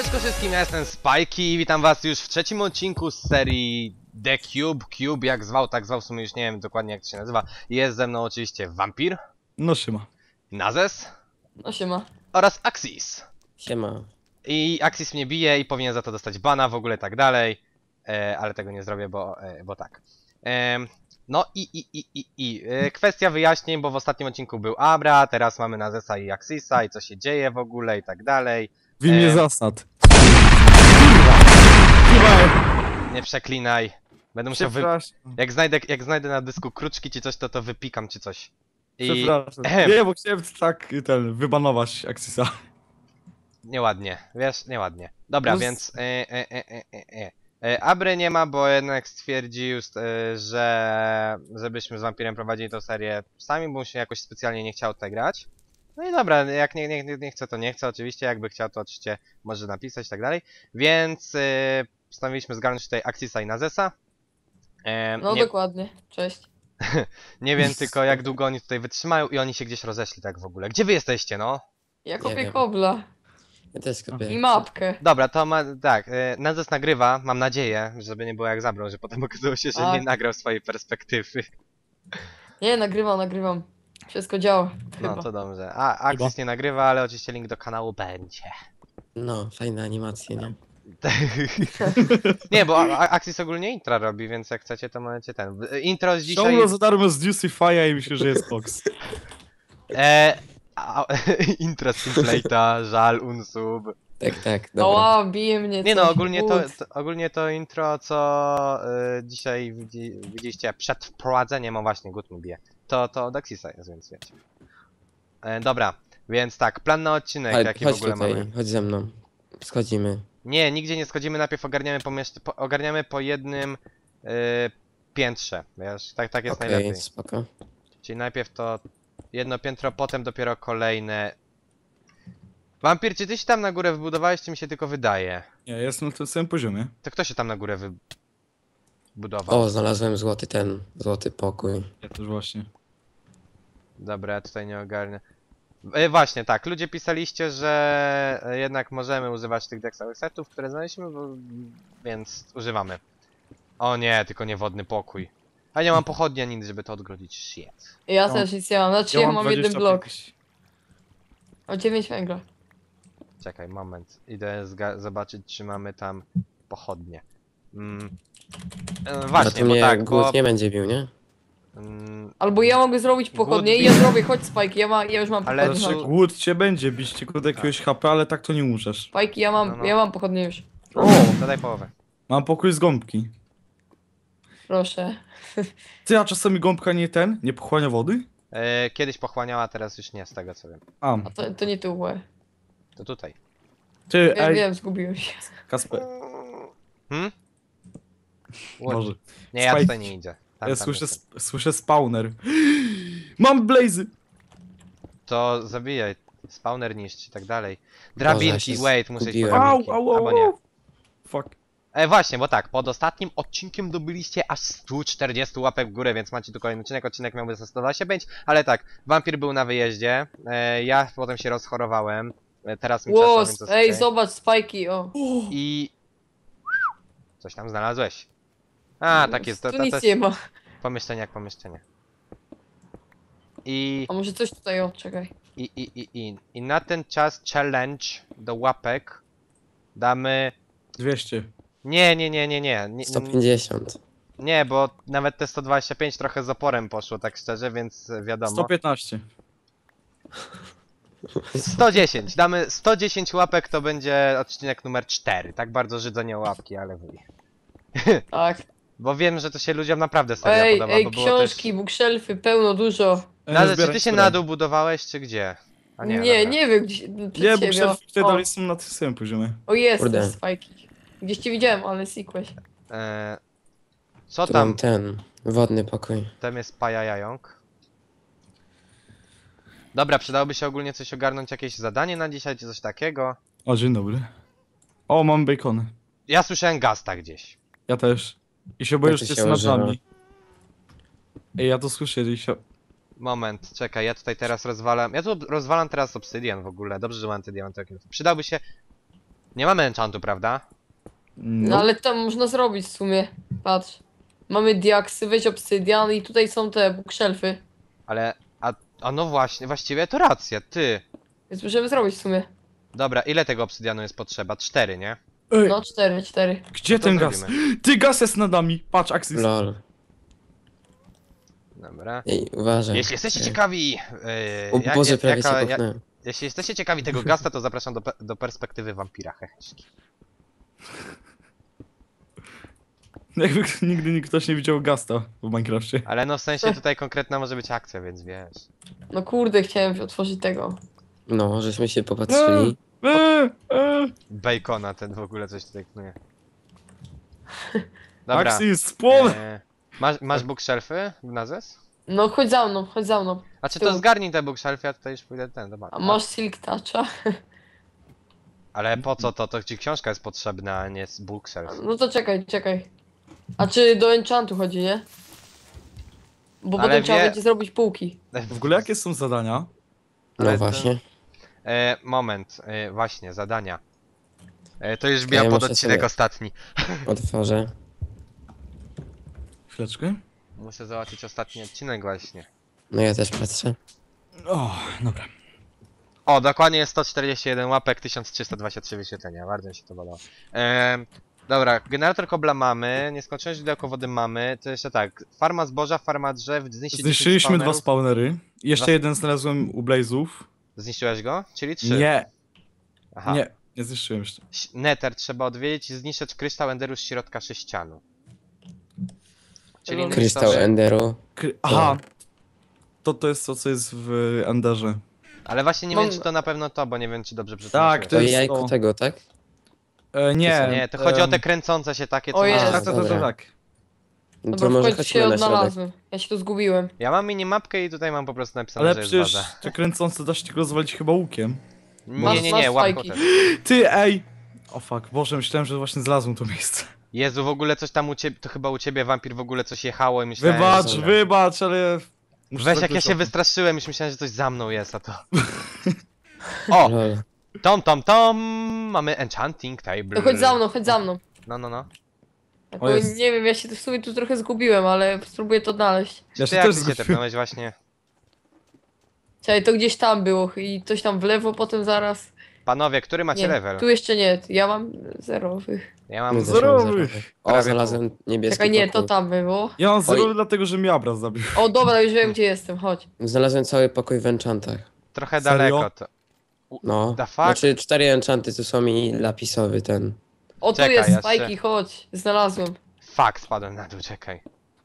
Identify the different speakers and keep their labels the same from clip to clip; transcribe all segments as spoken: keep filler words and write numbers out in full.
Speaker 1: Siemaneczko wszystkim, ja jestem Spajki i witam was już w trzecim odcinku z serii The Cube. Cube jak zwał, tak zwał, w sumie już nie wiem dokładnie jak to się nazywa. Jest ze mną oczywiście Wampir.
Speaker 2: No siema.
Speaker 1: Nazes.
Speaker 3: No siema.
Speaker 1: Oraz Axis.
Speaker 4: Siema.
Speaker 1: I Axis mnie bije i powinien za to dostać bana, w ogóle tak dalej. E, ale tego nie zrobię, bo, e, bo tak. E, no i, i, i, i, i. E, kwestia wyjaśnień, bo w ostatnim odcinku był Abra, teraz mamy Nazesa i Axisa i co się dzieje w ogóle i tak dalej.
Speaker 2: W imię
Speaker 1: E,
Speaker 2: zasad.
Speaker 1: Nie przeklinaj. Będę musiał wy... Jak znajdę, jak znajdę na dysku kruczki czy coś, to to wypikam czy coś. I...
Speaker 2: Przepraszam.
Speaker 1: Ehem.
Speaker 2: Nie, bo chciałem tak ten, wybanować Axisa.
Speaker 1: Nieładnie, wiesz, nieładnie. Dobra,
Speaker 2: No z-
Speaker 1: więc... E, e, e, e, e, e. Abry nie ma, bo jednak stwierdził, e, że... żebyśmy z Wampirem prowadzili tę serię sami, bo mu się jakoś specjalnie nie chciał tak grać. No i dobra, jak nie, nie, nie chce, to nie chce, oczywiście, jakby chciał, to oczywiście może napisać i tak dalej. Więc e, postanowiliśmy zgarnąć tutaj Axisa i Nazesa. E,
Speaker 3: No
Speaker 1: nie,
Speaker 3: dokładnie. Cześć.
Speaker 1: nie wiem tylko jak długo oni tutaj wytrzymają i oni się gdzieś rozeszli tak w ogóle. Gdzie wy jesteście, no?
Speaker 3: Ja
Speaker 4: Nie
Speaker 3: kopię
Speaker 4: wiem.
Speaker 3: kobla.
Speaker 4: Ja też kopię.
Speaker 3: I mapkę.
Speaker 1: Dobra, to ma, tak, e, Nazes nagrywa, mam nadzieję, żeby nie było jak zabrał, że potem okazało się, że
Speaker 3: Tak.
Speaker 1: nie nagrał swojej perspektywy.
Speaker 3: Nie, nagrywam, nagrywam. Wszystko działa. Chyba.
Speaker 1: No to dobrze. A Axis nie nagrywa, ale oczywiście link do kanału będzie.
Speaker 4: No, fajne animacje, nie?
Speaker 1: Nie, bo A- A- Axis ogólnie intro robi, więc jak chcecie, to możecie ten. Intro z dzisiaj.
Speaker 2: Ciągle za darmo z Juicify'a i myślę, że jest Fox.
Speaker 1: E, a, intro z Simplate'a, żal, unsub.
Speaker 4: Tak, tak, dobra.
Speaker 3: Oła, bije mnie.
Speaker 1: Nie no,
Speaker 3: coś.
Speaker 1: ogólnie to,
Speaker 3: But.
Speaker 1: to, ogólnie to intro, co y, dzisiaj widzi, widzieliście przed wprowadzeniem, o właśnie, Gut mi bije, to, to od Axisa jest, więc wiecie. E, dobra, więc tak, plan na odcinek,
Speaker 4: Chodź,
Speaker 1: jaki w
Speaker 4: chodź
Speaker 1: ogóle
Speaker 4: tutaj,
Speaker 1: mamy.
Speaker 4: chodź ze mną. Schodzimy.
Speaker 1: Nie, nigdzie nie schodzimy, najpierw ogarniamy, pomiesz- po, ogarniamy po jednym y, piętrze, wiesz, tak, tak jest
Speaker 4: Okej,
Speaker 1: najlepiej.
Speaker 4: spoko.
Speaker 1: Czyli najpierw to jedno piętro, potem dopiero kolejne. Wampir, czy ty się tam na górę wybudowałeś, czy mi się tylko wydaje?
Speaker 2: Nie, jestem na tym samym poziomie.
Speaker 1: To kto się tam na górę wybudował?
Speaker 4: O, znalazłem złoty ten, złoty pokój.
Speaker 2: Ja też właśnie.
Speaker 1: Dobra, ja tutaj nie ogarnę. E, właśnie, tak, ludzie pisaliście, że e, jednak możemy używać tych deksowych setów, które znaleźliśmy, bo... więc używamy. O nie, tylko nie wodny pokój. A nie mam pochodni ani nic, żeby to odgrodzić. Shit.
Speaker 3: Ja
Speaker 2: No.
Speaker 3: też nic nie mam. Znaczy ja, mam jeden
Speaker 2: dwadzieścia
Speaker 3: blok.
Speaker 2: pięć.
Speaker 3: O dziewięć węgla.
Speaker 1: Czekaj, moment. Idę zga- zobaczyć, czy mamy tam pochodnie. Mm. E,
Speaker 4: A
Speaker 1: właśnie,
Speaker 4: to
Speaker 1: bo
Speaker 4: mnie
Speaker 1: tak,
Speaker 4: głód
Speaker 1: bo...
Speaker 4: nie będzie bił, nie?
Speaker 1: Mm,
Speaker 3: Albo ja mogę zrobić pochodnie i ja zrobię. Chodź Spajki, ja, ma, ja już mam
Speaker 1: Ale
Speaker 3: pochodnie.
Speaker 2: Znaczy,
Speaker 1: to-
Speaker 2: głód cię będzie bić tylko do jakiegoś H P, ale tak to nie umrzesz.
Speaker 3: Spajki, ja mam,
Speaker 1: No, no.
Speaker 3: ja mam pochodnie już.
Speaker 1: o, to daj połowę.
Speaker 2: Mam pokój z gąbki.
Speaker 3: Proszę.
Speaker 2: Ty, a czasami gąbka nie ten? Nie pochłania wody?
Speaker 1: E, kiedyś pochłaniała, teraz już nie, z tego co wiem.
Speaker 2: A,
Speaker 3: A to, to nie tu łe.
Speaker 1: To tutaj.
Speaker 2: ty,
Speaker 3: Wiem,
Speaker 2: ej,
Speaker 3: wiem, zgubiłem się.
Speaker 2: Kasper,
Speaker 1: Hmm? What?
Speaker 2: może.
Speaker 1: Nie, ja
Speaker 2: Spike.
Speaker 1: tutaj nie idę. Tam,
Speaker 2: Ja
Speaker 1: tam
Speaker 2: słyszę,
Speaker 1: jestem.
Speaker 2: sp- słyszę spawner. Mam blazy!
Speaker 1: To zabijaj. Spawner niszcz i tak dalej. Drabinki,
Speaker 4: się
Speaker 1: wait, muszę iść po
Speaker 4: zgubiłem.
Speaker 1: drabinki.
Speaker 2: Au, au,
Speaker 1: Albo
Speaker 2: au,
Speaker 1: nie.
Speaker 2: au. Fuck.
Speaker 1: E, właśnie, bo tak, pod ostatnim odcinkiem dobyliście aż sto czterdzieści łapek w górę, więc macie tu kolejny odcinek. Odcinek miałby za sto dwadzieścia pięć, ale tak, Wampir był na wyjeździe, e, ja potem się rozchorowałem, e, teraz mi przeszło,
Speaker 3: Łos,
Speaker 1: więc to
Speaker 3: ej,
Speaker 1: okej.
Speaker 3: zobacz Spajki, o.
Speaker 1: I... Coś tam znalazłeś. A, tak jest, to,
Speaker 3: Tu
Speaker 1: to
Speaker 3: nic
Speaker 1: też
Speaker 3: nie ma.
Speaker 1: pomieszczenie jak pomieszczenie. I...
Speaker 3: A może coś tutaj, o, czekaj.
Speaker 1: I, i, i, i, I na ten czas challenge do łapek damy...
Speaker 2: dwieście.
Speaker 1: Nie, nie, nie, nie, nie, nie,
Speaker 4: sto pięćdziesiąt.
Speaker 1: nie, bo nawet te sto dwadzieścia pięć trochę z oporem poszło, tak szczerze, więc wiadomo.
Speaker 2: sto piętnaście.
Speaker 1: sto dziesięć, damy sto dziesięć łapek, to będzie odcinek numer cztery. Tak bardzo żydzę nie o łapki, ale wuj.
Speaker 3: Tak.
Speaker 1: Bo wiem, że to się ludziom naprawdę serio
Speaker 3: Ej,
Speaker 1: podoba,
Speaker 3: ej,
Speaker 1: bo było
Speaker 3: książki,
Speaker 1: też...
Speaker 3: bookshelfy, pełno, dużo.
Speaker 2: E,
Speaker 1: Nazę, czy
Speaker 2: zbieraj
Speaker 1: ty się
Speaker 2: które.
Speaker 1: na dół budowałeś, czy gdzie? A
Speaker 3: Nie,
Speaker 1: nie,
Speaker 3: nie,
Speaker 1: dobra.
Speaker 3: wiem, gdzie, przed
Speaker 2: Nie, bo
Speaker 3: ciebie, o.
Speaker 2: wtedy
Speaker 3: O,
Speaker 2: dalej są na tym samym poziomie.
Speaker 3: o jest,
Speaker 4: Kurde.
Speaker 3: te Spajki. Gdzieś cię widziałem, ale sikłeś.
Speaker 1: E, co
Speaker 4: Tu
Speaker 1: tam?
Speaker 4: mam ten, wodny pokój.
Speaker 1: Tam jest pajajająk. Dobra, przydałoby się ogólnie coś ogarnąć, jakieś zadanie na dzisiaj, czy coś takiego.
Speaker 2: O, dzień dobry. O, mam bacony.
Speaker 1: Ja słyszałem gasta gdzieś.
Speaker 2: Ja też. I się boję,
Speaker 4: Jak
Speaker 2: że
Speaker 4: to
Speaker 2: jest
Speaker 4: się
Speaker 2: nad
Speaker 4: używa?
Speaker 2: nami. Ej, ja to słyszę i się...
Speaker 1: Moment, czekaj, ja tutaj teraz rozwalam. Ja tu rozwalam teraz obsydian w ogóle. Dobrze, że mam antydiamentowy. Przydałby się. Nie mamy enchantu, prawda?
Speaker 3: No
Speaker 2: No.
Speaker 3: ale tam można zrobić w sumie. Patrz. Mamy diaksy, weź obsydian i tutaj są te bookshelfy.
Speaker 1: Ale, a, a no właśnie, właściwie to racja, ty.
Speaker 3: Więc możemy zrobić w sumie.
Speaker 1: Dobra, ile tego obsydianu jest potrzeba? Cztery, nie?
Speaker 2: Ej,
Speaker 3: No, cztery, cztery.
Speaker 2: gdzie
Speaker 1: to
Speaker 2: ten gaz?
Speaker 1: zrobimy.
Speaker 2: Ty, gaz jest nad nami. Patrz, Axis.
Speaker 4: Lol.
Speaker 1: Dobra.
Speaker 4: Ej, uważaj.
Speaker 1: Jeśli jesteście
Speaker 4: Ej.
Speaker 1: ciekawi, yy,
Speaker 4: O
Speaker 1: ja-
Speaker 4: Boże,
Speaker 1: ja-
Speaker 4: prawie
Speaker 1: jaka-
Speaker 4: cię
Speaker 1: ja-
Speaker 4: popchnąłem.
Speaker 1: jeśli jesteście ciekawi tego gasta, to zapraszam do, pe- do perspektywy wampira, heheszki.
Speaker 2: Jakby nigdy nikt ktoś nie widział Gasta w Minecrafcie.
Speaker 1: Ale no w sensie tutaj konkretna może być akcja, więc wiesz.
Speaker 3: No kurde, chciałem otworzyć tego.
Speaker 4: No, żeśmy się popatrzyli.
Speaker 2: Eee, eee.
Speaker 1: Bacona ten w ogóle coś tutaj knuje. Dobra.
Speaker 2: Axis, spłon!
Speaker 1: E, masz, masz bookshelfy w Nazes?
Speaker 3: No chodź za mną, chodź za mną.
Speaker 1: A czy
Speaker 3: Tu.
Speaker 1: to zgarnij te bookshelfy, ja tutaj już pójdę ten, zobacz.
Speaker 3: A masz silk toucha?
Speaker 1: Ale po co to? To ci książka jest potrzebna, a nie bookshelf.
Speaker 3: No to czekaj, czekaj. A czy do enchantu chodzi, nie? Bo
Speaker 1: Ale
Speaker 3: potem trzeba
Speaker 1: wie-
Speaker 3: będzie zrobić półki.
Speaker 2: W ogóle jakie są zadania?
Speaker 1: Ale
Speaker 4: No
Speaker 1: to-
Speaker 4: właśnie.
Speaker 1: E, moment, e, właśnie, zadania. E, to już
Speaker 4: Ja
Speaker 1: bija pod
Speaker 4: muszę
Speaker 1: odcinek
Speaker 4: sobie-
Speaker 1: ostatni.
Speaker 4: Otworzę.
Speaker 2: Chwileczkę.
Speaker 1: Muszę zobaczyć ostatni odcinek właśnie.
Speaker 4: No ja też patrzę.
Speaker 2: O, dobra.
Speaker 1: O, dokładnie jest sto czterdzieści jeden łapek, tysiąc trzysta dwadzieścia trzy wyświetlenia, bardzo mi się to podoba. Ehm, dobra, generator kobla mamy, nieskończone źródełko wody mamy, to jeszcze tak, farma zboża, farma drzew, zniszczyć
Speaker 2: Zniszczyliśmy dwa
Speaker 1: spawnerów.
Speaker 2: spawnery. Jeszcze
Speaker 1: Dwa-
Speaker 2: jeden znalazłem u Blazów.
Speaker 1: Zniszczyłeś go? Czyli trzy.
Speaker 2: Nie,
Speaker 1: Aha.
Speaker 2: nie, nie zniszczyłem jeszcze.
Speaker 1: Ś- Nether trzeba odwiedzić i zniszczyć kryształ enderu z środka sześcianu. Czyli
Speaker 3: Lol.
Speaker 4: Krystał
Speaker 1: niszczą-
Speaker 4: Enderu.
Speaker 2: Kry Aha. To to jest to, co jest w Enderze.
Speaker 1: Ale właśnie nie
Speaker 3: Mam-
Speaker 1: wiem, czy to na pewno to, bo nie wiem, czy dobrze
Speaker 2: Tak,
Speaker 1: przetłumaczyłem.
Speaker 2: to
Speaker 4: To
Speaker 2: jest
Speaker 4: jajko
Speaker 2: to.
Speaker 4: tego, tak?
Speaker 2: E, nie.
Speaker 1: Nie, to chodzi o te
Speaker 2: em,
Speaker 1: kręcące się takie, co
Speaker 3: O
Speaker 1: masz-
Speaker 3: Jezu.
Speaker 2: Tak, tak, tak,
Speaker 4: Dobra.
Speaker 2: tak.
Speaker 4: No
Speaker 3: Dobra,
Speaker 4: to
Speaker 3: w
Speaker 4: może
Speaker 3: końcu się
Speaker 4: chodźmy na środek.
Speaker 3: odnalazłem. Ja się tu zgubiłem.
Speaker 1: Ja mam minimapkę i tutaj mam po prostu napisane,
Speaker 2: Ale
Speaker 1: że jest
Speaker 2: przecież
Speaker 1: baza.
Speaker 2: te kręcące da się tylko rozwalić chyba łukiem.
Speaker 1: Nie,
Speaker 3: Masz-
Speaker 1: nie, nie,
Speaker 3: masz
Speaker 1: łapką
Speaker 3: fajki.
Speaker 1: też.
Speaker 2: Ty, ej! O fuck, Boże, myślałem, że właśnie znalazłem to miejsce.
Speaker 1: Jezu, w ogóle coś tam u ciebie, to chyba u ciebie wampir w ogóle coś jechało i myślałem,
Speaker 2: Wybacz,
Speaker 1: że...
Speaker 2: wybacz, ale... muszę
Speaker 1: Weź, jak
Speaker 2: zakończyć
Speaker 1: ja się
Speaker 2: o tym.
Speaker 1: wystraszyłem, już myślałem, że coś za mną jest, a to... O!
Speaker 4: Lol.
Speaker 1: Tom, tom, tom! Mamy enchanting table.
Speaker 3: To chodź za mną, chodź za mną.
Speaker 1: No, no, no.
Speaker 3: Tak,
Speaker 2: O,
Speaker 3: bo
Speaker 2: jest.
Speaker 3: nie wiem, ja się tu w sumie tu trochę zgubiłem, ale spróbuję to odnaleźć.
Speaker 2: Ja
Speaker 1: Ty
Speaker 2: się
Speaker 1: jak
Speaker 2: też
Speaker 1: ty się
Speaker 2: zgubiłem.
Speaker 1: tepnąłeś właśnie?
Speaker 3: Czekaj, to gdzieś tam było i coś tam w lewo, potem zaraz.
Speaker 1: Panowie, który macie
Speaker 3: Nie,
Speaker 1: level?
Speaker 3: tu jeszcze nie, ja mam zerowych.
Speaker 1: Ja mam...
Speaker 4: My też
Speaker 2: Zerowy.
Speaker 4: mamy zerowy. O,
Speaker 1: Prawie
Speaker 4: znalazłem niebieski
Speaker 3: Czekaj, nie, to
Speaker 4: pokój.
Speaker 3: tam było.
Speaker 2: Ja mam zero,
Speaker 4: Oj.
Speaker 2: dlatego że mnie Abra zabił.
Speaker 3: O, dobra, już wiem, gdzie jestem, chodź.
Speaker 4: Znalazłem cały pokój w enchantach.
Speaker 1: Trochę
Speaker 2: Serio?
Speaker 1: daleko to.
Speaker 4: No.
Speaker 1: The fuck?
Speaker 4: Znaczy cztery enchanty tu są i lapisowy ten.
Speaker 3: O, tu
Speaker 1: Czekaj,
Speaker 3: jest
Speaker 1: jeszcze.
Speaker 3: spajki, chodź. Znalazłem.
Speaker 1: Fuck, spadłem na dół, czekaj.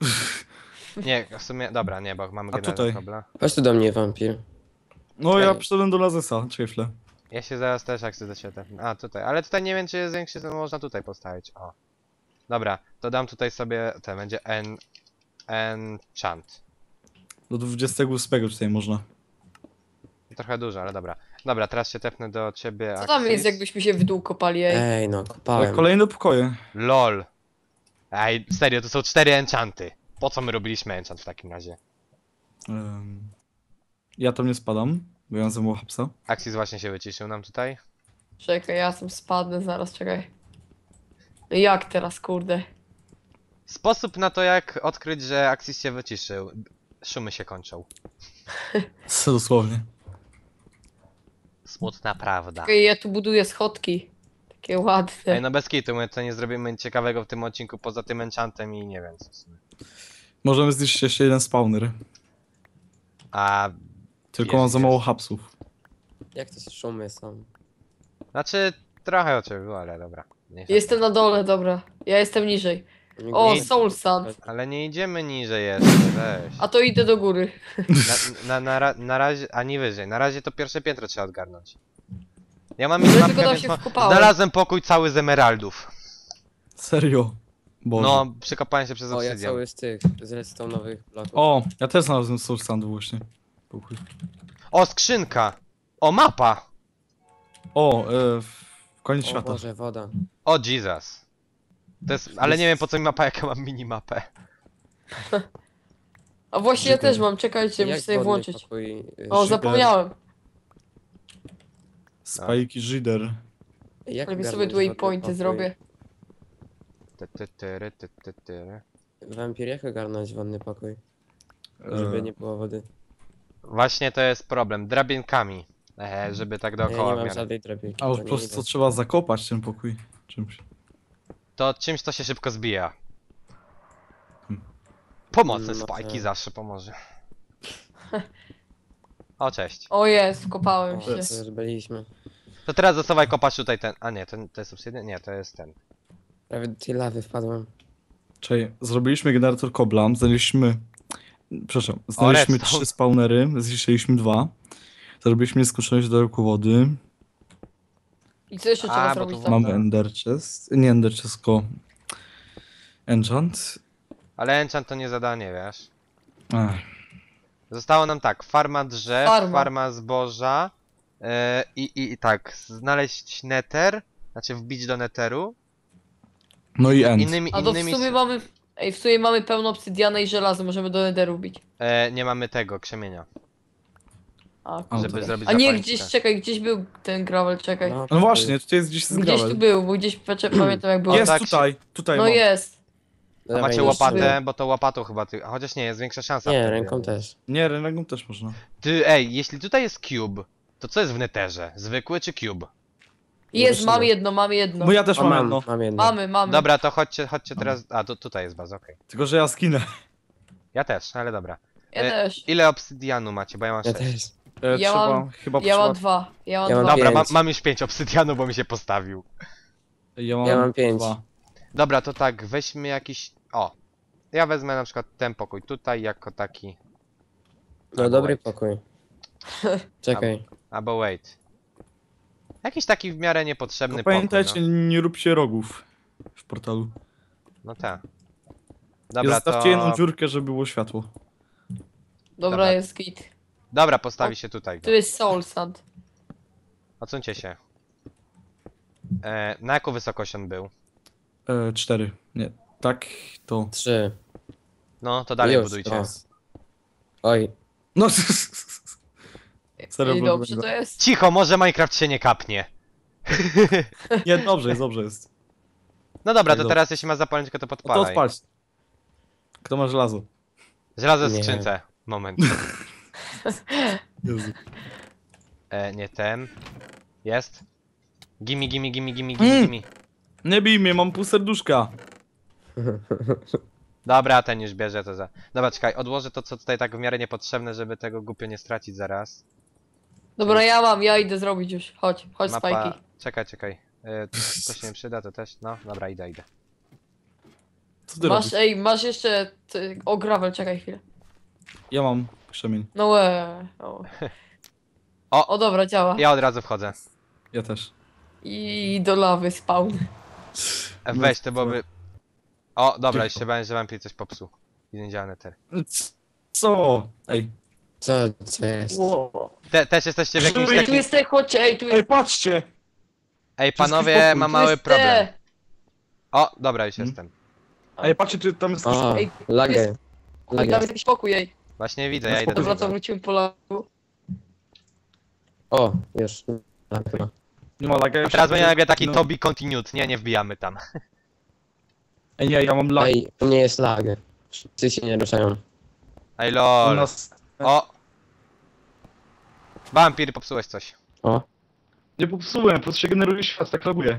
Speaker 1: Nie, w sumie, dobra, nie, bo mamy
Speaker 2: A
Speaker 1: generator
Speaker 2: tutaj?
Speaker 1: kobla.
Speaker 4: Chodź tu do mnie, wampir.
Speaker 2: No ja
Speaker 4: Ej.
Speaker 2: przyszedłem do Lazesa, czekaj chwilę.
Speaker 1: Ja się zaraz też jak chcę do siebie tepnę. A, tutaj, ale tutaj nie wiem, czy jest większy, to można tutaj postawić, o. Dobra, to dam tutaj sobie, ten będzie en... enchant.
Speaker 2: Do dwudziestego ósmego tutaj można.
Speaker 1: Trochę dużo, ale dobra. Dobra, teraz się tepnę do ciebie,
Speaker 3: Co tam
Speaker 1: Axis.
Speaker 3: jest, jakbyśmy się w dół kopali, ej?
Speaker 4: Ej, no,
Speaker 2: Ale
Speaker 4: kopałem.
Speaker 2: kolejne pokoje.
Speaker 1: LOL. Ej, serio, to są cztery enchanty. Po co my robiliśmy enchant w takim razie?
Speaker 2: Em, ja tam nie spadam, bo ja mam za mało hapsa.
Speaker 1: Axis właśnie się wyciszył nam tutaj.
Speaker 3: Czekaj, ja tam spadnę zaraz, czekaj. No jak teraz, kurde?
Speaker 1: Sposób na to, jak odkryć, że Axis się wyciszył. Szumy się kończą.
Speaker 2: Co dosłownie.
Speaker 1: Smutna prawda.
Speaker 3: Czekaj, ja tu buduję schodki. Takie ładne.
Speaker 1: Ej, no bez kitu, my to nie zrobimy ciekawego w tym odcinku poza tym enchantem i nie wiem co w sumie.
Speaker 2: Możemy zniszczyć jeszcze jeden spawner.
Speaker 1: A,
Speaker 2: Tylko
Speaker 1: Jest,
Speaker 2: mam za
Speaker 1: jest.
Speaker 2: mało hapsów.
Speaker 4: Jak to szumy są?
Speaker 1: znaczy trochę o ciebie było, ale dobra. Nie
Speaker 3: Jestem na dole, dobra. Ja jestem niżej. O,
Speaker 1: Nie-
Speaker 3: Soul Sand.
Speaker 1: Ale nie idziemy niżej jeszcze, weź.
Speaker 3: A to idę do góry.
Speaker 1: Na, na, na, ra- na razie, ani wyżej. Na razie to pierwsze piętro trzeba odgarnąć. Ja mam
Speaker 3: No, tylko
Speaker 1: minimapkę,
Speaker 3: tam
Speaker 1: więc
Speaker 3: się
Speaker 1: ma...
Speaker 3: wkopałem.
Speaker 1: znalazłem pokój cały z emeraldów.
Speaker 2: Serio. Boże.
Speaker 1: No, przekopałem się przez
Speaker 4: O, ja
Speaker 1: obsydian.
Speaker 4: cały z tych, z redstone'owych bloków.
Speaker 2: O, ja też znalazłem Soul Sandu właśnie. Pokój.
Speaker 1: O, skrzynka! O, mapa!
Speaker 2: O, e, w koniec
Speaker 4: O
Speaker 2: świata.
Speaker 4: Boże, woda.
Speaker 1: O, Jesus. To jest... Ale nie wiem po co mi mapa, jak ja mam minimapę.
Speaker 3: A właśnie ja
Speaker 2: Czekaj.
Speaker 3: też mam, czekajcie, muszę
Speaker 4: Jak
Speaker 3: sobie
Speaker 4: wodny
Speaker 3: włączyć.
Speaker 4: pokój, y,
Speaker 3: O,
Speaker 4: ży-
Speaker 3: zapomniałem.
Speaker 2: Spajki Żyder.
Speaker 4: Jak
Speaker 3: Lepiej sobie
Speaker 4: ogarnąć
Speaker 3: tu
Speaker 4: wodny
Speaker 3: waypointy
Speaker 4: pokój?
Speaker 3: zrobię.
Speaker 1: Ty, ty, tyry, ty, ty, tyry.
Speaker 4: Wampir, jak ogarnąć wodny pokój? Żeby
Speaker 2: E,
Speaker 4: nie było wody.
Speaker 1: Właśnie to jest problem. Drabinkami. E, żeby tak
Speaker 4: Ja
Speaker 1: dookoła
Speaker 4: nie
Speaker 1: w
Speaker 4: mam
Speaker 1: miarę.
Speaker 4: żadnej drabinki.
Speaker 2: A już
Speaker 4: to
Speaker 2: po
Speaker 4: nie
Speaker 2: prostu
Speaker 4: idę.
Speaker 2: trzeba zakopać ten pokój czymś.
Speaker 1: To czymś to się szybko zbija.
Speaker 2: Hmm.
Speaker 1: Pomocne
Speaker 4: No
Speaker 1: spajki
Speaker 4: tak.
Speaker 1: zawsze pomoże. O, cześć.
Speaker 3: O jest, kopałem
Speaker 4: O,
Speaker 3: się.
Speaker 4: to już byliśmy.
Speaker 1: To teraz zasuwaj kopacz tutaj ten. A nie, to, to jest obsydian? Nie, to jest ten.
Speaker 4: Prawie do tej lawy wpadłem.
Speaker 2: Czyli zrobiliśmy generator kobla, znaleźliśmy... Przepraszam, znaleźliśmy
Speaker 1: redstone.
Speaker 2: trzy spawnery, zniszczyliśmy dwa. Zrobiliśmy nieskończoność do roku wody.
Speaker 3: I co jeszcze
Speaker 1: A,
Speaker 3: trzeba
Speaker 1: bo
Speaker 3: zrobić
Speaker 1: tu
Speaker 3: tam?
Speaker 2: Mamy
Speaker 1: Tak.
Speaker 2: ender chest. Nie ender chest, tylko... Enchant.
Speaker 1: Ale enchant to nie zadanie, wiesz.
Speaker 2: Ach,
Speaker 1: Zostało nam tak, farma drzew,
Speaker 3: Farma.
Speaker 1: farma zboża yy, i, i, i tak, znaleźć nether, znaczy wbić do netheru.
Speaker 2: no i end.
Speaker 1: Innymi,
Speaker 3: A to w
Speaker 1: innymi
Speaker 3: sumie
Speaker 1: s-
Speaker 3: mamy... Ej, w sumie mamy pełno obsydiana i żelazo, możemy do netheru bić.
Speaker 1: e, nie mamy tego, krzemienia,
Speaker 3: A,
Speaker 2: A,
Speaker 1: żeby
Speaker 2: to-
Speaker 1: zrobić
Speaker 3: A nie,
Speaker 1: zapalniczkę.
Speaker 3: gdzieś, czekaj, gdzieś był ten gravel, czekaj.
Speaker 2: No właśnie, tutaj jest gdzieś z
Speaker 3: Gdzieś tu
Speaker 2: gravel.
Speaker 3: był, bo gdzieś patrzę, pamiętam jak było.
Speaker 2: Jest
Speaker 1: tak się-
Speaker 2: tutaj, tutaj
Speaker 3: No
Speaker 2: mam.
Speaker 3: jest.
Speaker 1: A macie
Speaker 3: już
Speaker 1: łopatę, bo to łopatą chyba ty... Chociaż nie, jest większa szansa.
Speaker 4: Nie,
Speaker 1: wtedy.
Speaker 4: ręką też.
Speaker 2: Nie, ręką też można.
Speaker 1: Ty, ej, jeśli tutaj jest cube, to co jest w netherze? Zwykły czy cube?
Speaker 3: Jest,
Speaker 4: Zobaczymy.
Speaker 3: mam jedno, mam jedno.
Speaker 2: Bo ja też
Speaker 4: O,
Speaker 2: mam
Speaker 4: mam,
Speaker 2: jedno.
Speaker 4: mam jedno.
Speaker 3: Mamy, mamy.
Speaker 1: Dobra, to chodźcie, chodźcie teraz... A, tu, tutaj jest baza, okej.
Speaker 2: Tylko, że ja skinę.
Speaker 1: Ja też, ale dobra.
Speaker 3: Ja
Speaker 1: e,
Speaker 3: też.
Speaker 1: Ile obsydianu macie, bo ja mam
Speaker 4: Ja
Speaker 1: sześć.
Speaker 4: też.
Speaker 2: E,
Speaker 3: Ja
Speaker 2: trzeba,
Speaker 3: mam-
Speaker 2: chyba
Speaker 3: Ja mam
Speaker 2: trzeba...
Speaker 3: dwa. Ja mam
Speaker 4: Ja mam
Speaker 3: dwa.
Speaker 1: Dobra, mam,
Speaker 4: pięć.
Speaker 1: mam już pięć obsydianu, bo mi się postawił.
Speaker 2: Ja mam,
Speaker 4: Ja mam pięć.
Speaker 2: dwa.
Speaker 1: Dobra, to tak, weźmy jakiś... O! Ja wezmę na przykład ten pokój tutaj jako taki...
Speaker 4: No
Speaker 1: Albo
Speaker 4: dobry
Speaker 1: wait.
Speaker 4: pokój. Czekaj.
Speaker 1: Albo wait. Jakiś taki w miarę niepotrzebny
Speaker 2: Tylko pamiętajcie,
Speaker 1: pokój,
Speaker 2: nie róbcie rogów w portalu.
Speaker 1: no, no tak.
Speaker 2: I
Speaker 1: Dobra,
Speaker 2: zostawcie
Speaker 1: to...
Speaker 2: jedną dziurkę, żeby było światło.
Speaker 3: Dobra,
Speaker 1: Dobra.
Speaker 3: jest git.
Speaker 1: Dobra, postawi się tutaj.
Speaker 3: Tu jest soul sand.
Speaker 1: Odsuńcie się. E, na jaką wysokość on był?
Speaker 2: E, cztery. Nie, tak to...
Speaker 4: Trzy.
Speaker 1: No, to dalej
Speaker 4: Już,
Speaker 1: budujcie.
Speaker 4: teraz. Oj.
Speaker 2: No, Serio,
Speaker 3: I
Speaker 2: bo-
Speaker 3: dobrze to jest.
Speaker 1: Cicho, może Minecraft się nie kapnie.
Speaker 2: nie, dobrze jest, dobrze jest.
Speaker 1: No dobra,
Speaker 2: Tak,
Speaker 1: to
Speaker 2: dobrze.
Speaker 1: teraz jeśli ma zapalniczkę, to
Speaker 2: No to
Speaker 1: podpalaj.
Speaker 2: odpalć. Kto ma żelazo?
Speaker 1: Żelazo w
Speaker 4: Nie.
Speaker 1: skrzynce. Moment.
Speaker 2: Jezu.
Speaker 1: E, nie ten. Jest. Gimme, gimme, gimme, gimme, gimme,
Speaker 2: Mm.
Speaker 1: gimme.
Speaker 2: Nie bij mnie, mam pół serduszka.
Speaker 1: Dobra, ten już bierze to za... Dobra, czekaj, odłożę to, co tutaj tak w miarę niepotrzebne, żeby tego głupio nie stracić zaraz.
Speaker 3: Dobra, ja mam, ja idę zrobić już. Chodź, chodź
Speaker 1: Mapa...
Speaker 3: spajki.
Speaker 1: Czekaj, czekaj. E, to, to się nie przyda, to też... No, dobra, idę, idę.
Speaker 2: Co ty
Speaker 3: Masz,
Speaker 2: robisz?
Speaker 3: ej, masz jeszcze... Ty, o, gravel, czekaj chwilę.
Speaker 2: Ja mam krzemień.
Speaker 3: No łe. O.
Speaker 1: O!
Speaker 3: O, dobra, działa.
Speaker 1: Ja od razu wchodzę.
Speaker 2: Ja też.
Speaker 3: I do lawy spawn.
Speaker 1: E,
Speaker 2: No,
Speaker 1: weź, to byłoby... O, dobra,
Speaker 2: Cicho.
Speaker 1: już się bałem, że wampir coś popsuł. I nie działa neter.
Speaker 2: C- Co? Ej.
Speaker 4: Co, co jest?
Speaker 1: Te, też jesteście w jakimś
Speaker 3: Ej, tu
Speaker 1: takim...
Speaker 3: jest te, chodźcie, ej, tu
Speaker 2: Ej,
Speaker 3: jest...
Speaker 2: patrzcie!
Speaker 1: Ej,
Speaker 2: wszystkich
Speaker 1: panowie,
Speaker 2: pokój,
Speaker 1: mam
Speaker 3: tu
Speaker 1: mały
Speaker 3: jest
Speaker 1: problem.
Speaker 3: te.
Speaker 1: O, dobra, już
Speaker 2: Hmm?
Speaker 1: jestem.
Speaker 2: Ej, patrzcie, czy tam jest...
Speaker 4: O,
Speaker 3: Ej,
Speaker 4: lagę.
Speaker 3: Ej, tam
Speaker 4: Lagę.
Speaker 3: jest jakiś pokój, ej.
Speaker 1: Właśnie widzę, ja idę do
Speaker 3: Dobra, to
Speaker 1: tego.
Speaker 3: wrócimy po lagu.
Speaker 4: O, już. Tak, chyba.
Speaker 2: Nie ma laga.
Speaker 1: A teraz będzie nagle taki
Speaker 2: no.
Speaker 1: to be continued. Nie, nie wbijamy tam.
Speaker 2: Ej, nie, ja mam lag.
Speaker 4: Ej, u mnie jest lag. Wszyscy się nie ruszają.
Speaker 1: Ej,
Speaker 2: U
Speaker 1: lol.
Speaker 2: nas...
Speaker 1: O! Wampir, popsułeś coś.
Speaker 4: O,
Speaker 2: Nie popsułem, po prostu się generuje świat, tak laguje.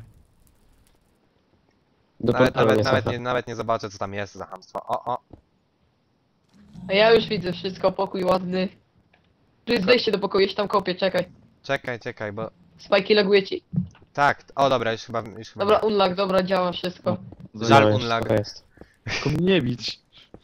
Speaker 4: do
Speaker 1: Nawet,
Speaker 4: portalu
Speaker 1: nawet,
Speaker 4: nie
Speaker 1: nawet,
Speaker 4: sacha.
Speaker 1: nie, nawet nie zobaczę, co tam jest za hamstwo. O, o.
Speaker 3: A ja już widzę wszystko, pokój ładny. Tu jest wejście do pokoju, ja się tam kopię, czekaj.
Speaker 1: Czekaj, czekaj, bo...
Speaker 3: Spajki laguje ci.
Speaker 1: Tak, o dobra, już chyba... Już chyba
Speaker 3: Dobra, unlag, dobra, działa wszystko.
Speaker 1: Żal
Speaker 4: No, już
Speaker 1: unlag.
Speaker 4: spoko jest.
Speaker 2: Tylko mnie nie bić.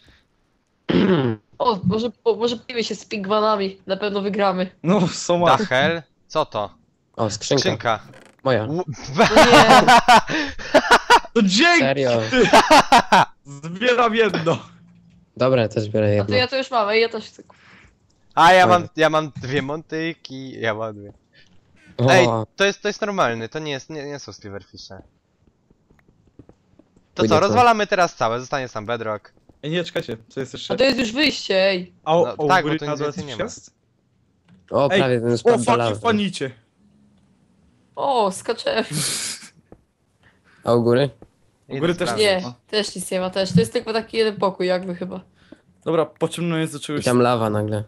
Speaker 3: O, może, o, może pijmy się z pigwanami, na pewno wygramy.
Speaker 2: No, są
Speaker 1: Da hell? Co to?
Speaker 4: O, skrzynka.
Speaker 1: Skrzynka.
Speaker 4: Moja.
Speaker 1: U-
Speaker 3: Nie,
Speaker 2: To dzięki!
Speaker 4: Serio.
Speaker 2: Zbieram jedno.
Speaker 4: Dobra, też biorę
Speaker 3: a to
Speaker 4: jedno.
Speaker 3: ja to już mam, ej, ja też chcę.
Speaker 1: A ja mam,
Speaker 4: Fajne.
Speaker 1: ja mam dwie montyki, ja mam dwie.
Speaker 4: O,
Speaker 1: Ej, to jest, to jest normalny, to nie jest, nie, nie są silverfishe. To
Speaker 4: Pójdę
Speaker 1: co,
Speaker 4: po-
Speaker 1: rozwalamy teraz całe, zostanie sam bedrock.
Speaker 2: Ej, nie, czekajcie, co jest jeszcze?
Speaker 3: A to jest już wyjście, ej.
Speaker 2: A,
Speaker 1: No,
Speaker 2: o, o,
Speaker 1: tak,
Speaker 2: góry
Speaker 1: bo tu nic
Speaker 2: na dole
Speaker 1: więcej
Speaker 2: coś
Speaker 1: nie ma.
Speaker 2: jest?
Speaker 4: o,
Speaker 2: Ej,
Speaker 4: prawie ten
Speaker 2: O,
Speaker 4: spadł do
Speaker 2: fucking
Speaker 4: lawy.
Speaker 2: fanicie.
Speaker 3: O, skaczemy.
Speaker 4: A u góry?
Speaker 1: Idę
Speaker 2: U góry też
Speaker 1: sprawdzić.
Speaker 3: Nie,
Speaker 2: ma.
Speaker 3: też nic nie ma też. To jest tylko taki jeden pokój jakby chyba.
Speaker 2: Dobra, pociągnąłem do
Speaker 4: I
Speaker 2: czegoś.
Speaker 4: tam lawa nagle.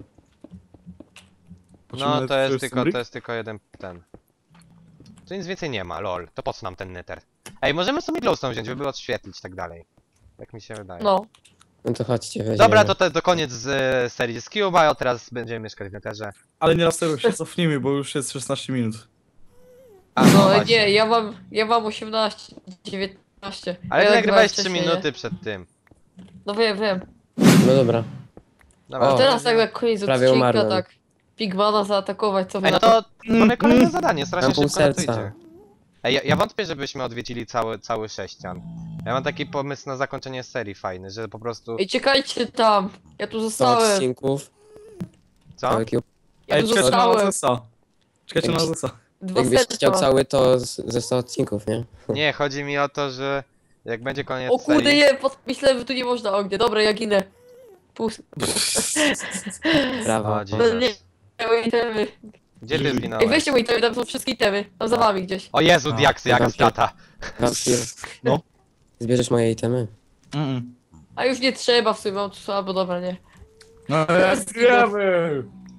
Speaker 1: No to jest tylko,
Speaker 2: stambryk?
Speaker 1: to jest tylko jeden ten. Tu nic więcej nie ma, lol. To po co nam ten nether? Ej, możemy sobie glowstone wziąć, żeby odświetlić i tak dalej. Jak mi się wydaje.
Speaker 3: No.
Speaker 4: No to chodźcie, weźmiemy.
Speaker 1: Dobra, to, to, to koniec z e, serii z Cube'a, a teraz będziemy mieszkać w netherze.
Speaker 2: Ale nie laseruj się, cofnijmy, bo już jest szesnaście minut.
Speaker 1: A,
Speaker 3: No
Speaker 1: właśnie.
Speaker 3: nie, ja mam, ja mam osiemnaście, dziewiętnaście.
Speaker 1: Ale
Speaker 3: ja
Speaker 1: ty
Speaker 3: nagrywałem
Speaker 1: nagrywałeś trzy
Speaker 3: wcześniej,
Speaker 1: minuty
Speaker 3: nie?
Speaker 1: przed tym.
Speaker 3: No wiem, wiem.
Speaker 4: No dobra.
Speaker 1: Dobra,
Speaker 4: O,
Speaker 3: Teraz tak na koniec
Speaker 4: prawie
Speaker 3: odcinka,
Speaker 4: umarłem.
Speaker 3: tak. Pigmana zaatakować, co wy
Speaker 1: Ej, no
Speaker 3: na
Speaker 1: to mamy kolejne zadanie, strasznie
Speaker 4: Mam pół
Speaker 1: szybko na to
Speaker 4: serca.
Speaker 1: idzie. Ej, ja, ja wątpię, żebyśmy odwiedzili cały, cały sześcian. Ja mam taki pomysł na zakończenie serii fajny, że po prostu...
Speaker 3: Ej, czekajcie tam. Ja tu
Speaker 4: sto
Speaker 3: zostałem.
Speaker 4: odcinków.
Speaker 1: Co?
Speaker 4: Cały cube.
Speaker 3: Ja
Speaker 2: Ej,
Speaker 3: tu
Speaker 2: czekajcie na
Speaker 3: zostałem.
Speaker 2: Zesa. Czekajcie na Zesa.
Speaker 3: Dwa
Speaker 4: Jakbyś
Speaker 3: serca.
Speaker 4: chciał cały, to z- ze sto odcinków, nie?
Speaker 1: Nie, chodzi mi o to, że jak będzie koniec
Speaker 3: O kurde,
Speaker 1: serii...
Speaker 3: nie, pod... myślałem, że tu nie można ognia. Dobra, ja ginę. Pust.
Speaker 4: Brawo.
Speaker 1: O,
Speaker 3: No
Speaker 1: Jesus.
Speaker 3: nie, moje itemy.
Speaker 1: Gdzie ty
Speaker 3: Ej,
Speaker 1: zginąłeś?
Speaker 3: weźcie moje itemy, tam są wszystkie itemy. Tam za wami gdzieś.
Speaker 1: O Jezu,
Speaker 2: A,
Speaker 1: diaksy, jak
Speaker 4: dobra.
Speaker 1: strata.
Speaker 4: Wampir.
Speaker 2: No.
Speaker 4: Zbierzesz moje itemy?
Speaker 2: Mm-mm.
Speaker 3: A już nie trzeba w sumie, mam tu albo dobra, nie.
Speaker 2: No jak wiemy!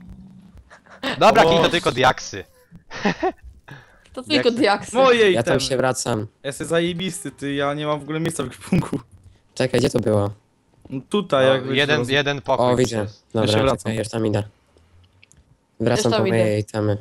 Speaker 1: Dobra,
Speaker 2: O.
Speaker 1: kij to tylko diaksy.
Speaker 3: To tylko
Speaker 1: Jak-
Speaker 3: diaksy.
Speaker 2: Moje
Speaker 4: Ja tam
Speaker 2: itemy!
Speaker 4: się wracam.
Speaker 2: Jestem zajebisty, ty, ja nie mam w ogóle miejsca w ekwipunku.
Speaker 4: Czekaj, gdzie to było?
Speaker 2: No tutaj
Speaker 1: No,
Speaker 2: jak wiesz,
Speaker 1: jeden,
Speaker 2: roz-
Speaker 1: jeden pokój.
Speaker 4: O, widzę.
Speaker 1: jest.
Speaker 2: Ja się
Speaker 4: Dobra,
Speaker 2: wracam.
Speaker 4: czekaj, już tam idę. Wracam
Speaker 3: tam
Speaker 4: po
Speaker 3: idę.
Speaker 4: moje itemy.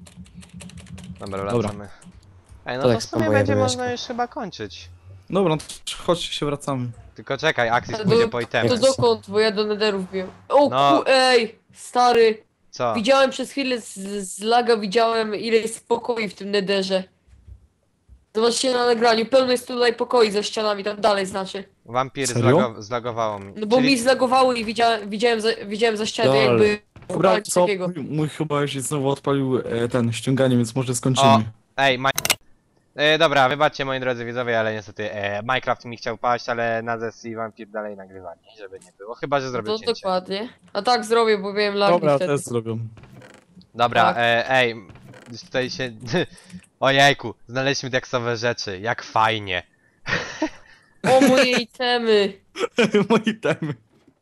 Speaker 1: Dobra,
Speaker 2: Dobra.
Speaker 1: wracamy. Ej, no
Speaker 4: To
Speaker 1: to
Speaker 4: tak
Speaker 1: w sumie
Speaker 4: samo
Speaker 1: będzie
Speaker 4: ja
Speaker 1: można
Speaker 4: mieszkam.
Speaker 1: już chyba kończyć.
Speaker 2: Dobra, no to chodźcie się wracamy.
Speaker 1: Tylko czekaj, Axis
Speaker 3: Ale
Speaker 1: pójdzie
Speaker 3: do-
Speaker 1: po
Speaker 3: To
Speaker 1: itemy.
Speaker 3: dokąd? Bo ja do netherów wbiłem. O
Speaker 1: No.
Speaker 3: ku... ej! Stary!
Speaker 1: Co?
Speaker 3: Widziałem przez chwilę z, z laga, widziałem ile jest pokoi w tym netherze. Zobaczcie na nagraniu, pełno jest tutaj pokoi za ścianami, tam dalej znaczy.
Speaker 1: Wampir
Speaker 2: Serio?
Speaker 1: zlago zlagowało mi.
Speaker 3: No bo
Speaker 1: Czyli-
Speaker 3: mi zlagowało i widziałem, widziałem, za, widziałem za ścianę
Speaker 4: Lol.
Speaker 3: jakby...
Speaker 2: Dobra,
Speaker 3: coś
Speaker 2: co?
Speaker 3: takiego.
Speaker 2: Mój, mój chyba już znowu odpalił e, ten ściąganie, więc może skończymy.
Speaker 1: Ej, ma... E, dobra, wybaczcie moi drodzy widzowie, ale niestety e, Minecraft mi chciał paść, ale Nazes i Vampir dalej nagrywali, żeby nie było. Chyba, że zrobię
Speaker 3: To
Speaker 1: cięcie.
Speaker 3: dokładnie. A tak zrobię, bo wiem lagi
Speaker 2: Dobra,
Speaker 3: wtedy.
Speaker 2: też zrobią.
Speaker 1: Dobra,
Speaker 3: Tak.
Speaker 1: e, ej, już tutaj się... Ojejku, znaleźliśmy diaksowe rzeczy, jak fajnie.
Speaker 3: O moje itemy!
Speaker 2: Moje itemy.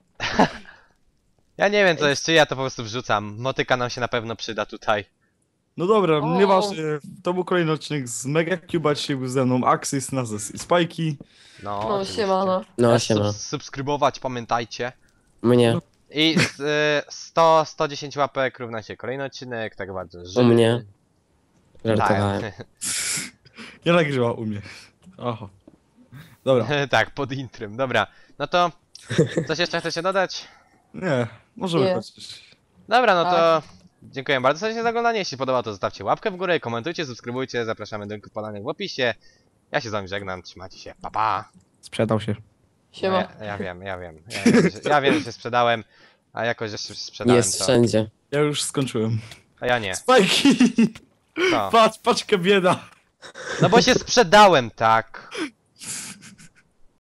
Speaker 1: Ja nie wiem co jeszcze, ja to po prostu wrzucam. Motyka nam się na pewno przyda tutaj.
Speaker 2: No dobra,
Speaker 3: O.
Speaker 2: nieważne. To był kolejny odcinek z Mega Cube'a, dzisiaj był ze mną Axis, Nazes i Spajki.
Speaker 1: No,
Speaker 3: No
Speaker 1: oczywiście.
Speaker 3: siemano.
Speaker 4: No,
Speaker 1: E,
Speaker 4: siema.
Speaker 1: sub- subskrybować, pamiętajcie.
Speaker 4: Mnie.
Speaker 1: I z, y, sto, sto dziesięć łapek równa się kolejny odcinek, tak bardzo
Speaker 4: U mnie. Żartowałem.
Speaker 1: Tak,
Speaker 2: Ja nagrywam u mnie. Aha. Dobra.
Speaker 1: tak, pod intrym, dobra. No to, coś jeszcze chcecie dodać?
Speaker 2: Nie, możemy
Speaker 3: Nie.
Speaker 2: kończyć.
Speaker 1: Dobra, no to
Speaker 3: Tak.
Speaker 1: dziękuję bardzo serdecznie za oglądanie. Jeśli podoba, to zostawcie łapkę w górę, komentujcie, subskrybujcie, zapraszamy do linków podanych w opisie. Ja się z wami żegnam, trzymajcie się, pa pa!
Speaker 2: Sprzedał się.
Speaker 1: No,
Speaker 3: Siema.
Speaker 1: ja, ja wiem, ja wiem, ja wiem, że, ja wiem, że się sprzedałem, a jakoś, że się sprzedałem
Speaker 4: Jest
Speaker 1: to,
Speaker 4: wszędzie.
Speaker 2: Ja już skończyłem.
Speaker 1: a ja nie.
Speaker 2: Spajki!
Speaker 1: Co?
Speaker 2: Patrz, paczka bieda!
Speaker 1: No bo się sprzedałem, tak.